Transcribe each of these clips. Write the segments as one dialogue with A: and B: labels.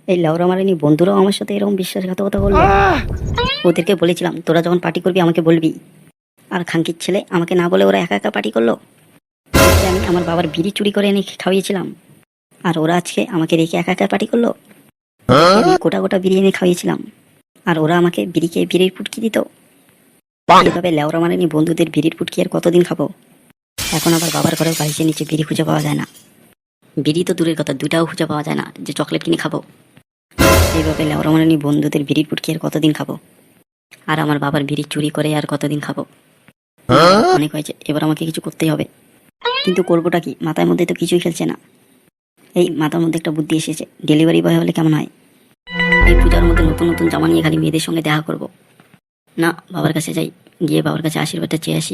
A: এই লাউরা মারানি বন্ধুরাও আমার সাথে এরকম বিশ্বাসঘাতকতা করলো। ওদেরকে বলেছিলাম তোরা যখন পার্টি করবি আমাকে বলবি, আর খানকির ছেলে আমাকে না বলে ওরা একা একা পার্টি করলো। আজকে আমি আমার বাবার বিড়ি চুরি করে এনে খাওয়িয়েছিলাম, আর ওরা আজকে আমাকে রেখে একা একা পার্টি করলো। ওদেরকে আমি গোটা গোটা বিড়ি এনে খাওয়িয়েছিলাম, আর ওরা আমাকে বিড়িকে বিড়ির পুটকি দিত। এইভাবে লেওরা মারানি বন্ধুদের বিড়ির পুটকি আর কতদিন খাবো? এখন আবার বাবার ঘরেও বাড়িতে নিচে বিড়ি খুঁজে পাওয়া যায় না। বিড়ি তো দূরের কথা, দুটাও খুঁজে পাওয়া যায় না যে চকলেট কিনে খাবো। এইভাবে লেওরা মারানি বন্ধুদের বিড়ির পুটকি আর কতদিন খাবো? আর আমার বাবার বিড়ি চুরি করে আর কতদিন খাবো? অনেক হয়েছে, এবার আমাকে কিছু করতেই হবে। কিন্তু করবোটা কি? মাথার মধ্যে তো কিছুই খেলছে না। এই মাথার মধ্যে একটা বুদ্ধি এসেছে, ডেলিভারি বয় হলে কেমন হয়? এই পূজার মধ্যে নতুন নতুন জামা নিয়ে খালি মেয়েদের সঙ্গে দেখা করব। না, বাবার কাছে যাই, গিয়ে বাবার কাছে আশীর্বাদটা চেয়ে আসি।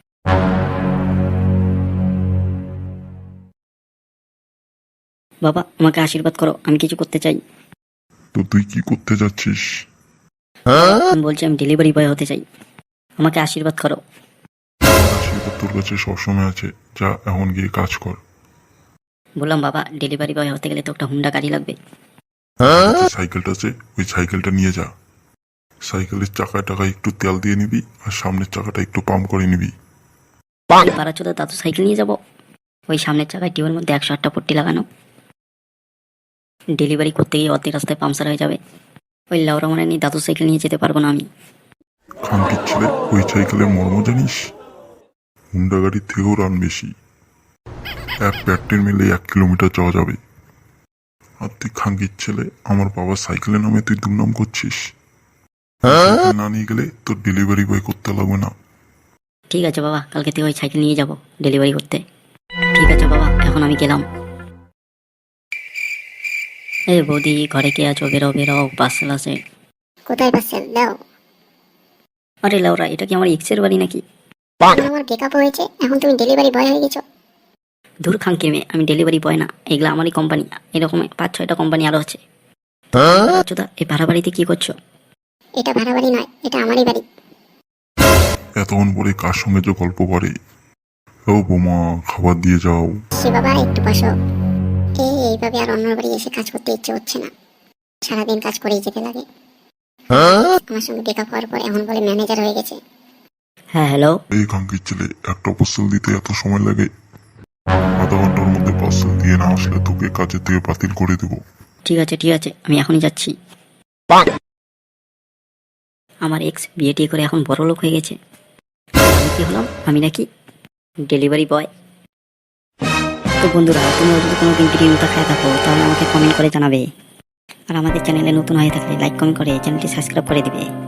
A: বাবা, আমাকে আশীর্বাদ করো, আমি কিছু করতে চাই।
B: তো তুই কি করতে যাচ্ছিস?
A: আমি বলছি আমি ডেলিভারি বয় হতে চাই, আমাকে আশীর্বাদ করো।
B: আমার আশীর্বাদ তোর কাছে সবসময় আছে, যা এখন গিয়ে কাজ কর।
A: বললাম বাবা, ডেলিভারি বয় হতে গেলে তো একটা হুন্ডা গাড়ি লাগবে।
B: যে সাইকেলটা আছে ওই সাইকেলটা নিয়ে যা। সাইকেলের চাকায় টাকায় একটু তেল দিয়ে নিবি, আর সামনের চাকাটা একটু পাম্প করে নিবি।
A: পাড়াচোদা দাদু সাইকেল নিয়ে যাব? ওই সামনের চাকায় টিউবের মধ্যে 108টা পট্টি লাগানো। ডেলিভারি করতে গিয়ে অর্ধেক রাস্তায় পাংচার হয়ে যাবে। ওই লাউরা মানে নিয়ে দাদু সাইকেল নিয়ে যেতে পারবো না আমি।
B: খানকির ছেলে, ওই সাইকেলের মর্ম জানিস? হুন্ডা গাড়ির থেকেও রান বেশি। এক প্যাটের মিলে 1 কিলোমিটার যাওয়া যাবে। আর তুই খানকির ছেলে, আমার বাবার সাইকেলের নামে তুই দুর্নাম করছিস। সাইকেল না নিয়ে গেলে তোর ডেলিভারি বয় করতে লাগবে না।
A: ঠিক আছে বাবা, কালকে থেকে ওই সাইকেল নিয়ে যাব ডেলিভারি করতে। ঠিক আছে বাবা, এখন আমি গেলাম। এই বৌদি, ঘরে কে আছো? বেরো বেরো, পার্সেল আছে।
C: কোথায় পার্সেল দাও?
A: আরে লাউরা, এটা কি আমার এক্সের বাড়ি নাকি?
C: আমার ব্রেকআপ হয়েছে, এখন তুমি ডেলিভারি বয় হয়ে গেছো?
A: দূর খাঙ্কির মেয়ে, আমি ডেলিভারি বয় না, এগুলো আমারই কোম্পানি। এরকম 5-6টা কোম্পানি আরো আছে। আচ্ছা, এই ভাড়া বাড়িতে কি করছো?
C: এটা ভাড়া বাড়ি নয়, এটা আমারই বাড়ি।
B: এতক্ষণ পরে কার সঙ্গে যে গল্প করে। ও বোমা, খাবার দিয়ে যাও।
C: সে বাবা, একটু বসো। এইভাবে আর অন্যর বাড়ি এসে কাজ করতে ইচ্ছে হচ্ছে না, সারাদিন কাজ করেই যেতে লাগে। আমার সঙ্গে ব্রেকআপ হওয়ার পর এখন বলে ম্যানেজার হয়ে গেছে।
A: হ্যাঁ হ্যালো।
B: এই খানকির ছেলে, একটা পার্সেল দিতে এত সময় লাগে? আধা ঘন্টার মধ্যে পার্সেল দিয়ে না আসলে তোকে কাজের থেকে বাতিল করে দেবো।
A: ঠিক আছে ঠিক আছে, আমি এখনই যাচ্ছি। আমার এক্স বিয়ে টিয়ে করে এখন বড় লোক হয়ে গেছে। আমি কি হলাম? আমি নাকি ডেলিভারি বয়। তো বন্ধুরা, তোমরা যদি কোনোদিন বিরিয়ানিটা খেয়ে থাকো তাহলে আমাকে কমেন্ট করে জানাবে। আর আমাদের চ্যানেলে নতুন হয়ে থাকলে লাইক কমেন্ট করে চ্যানেলটি সাবস্ক্রাইব করে দিবে।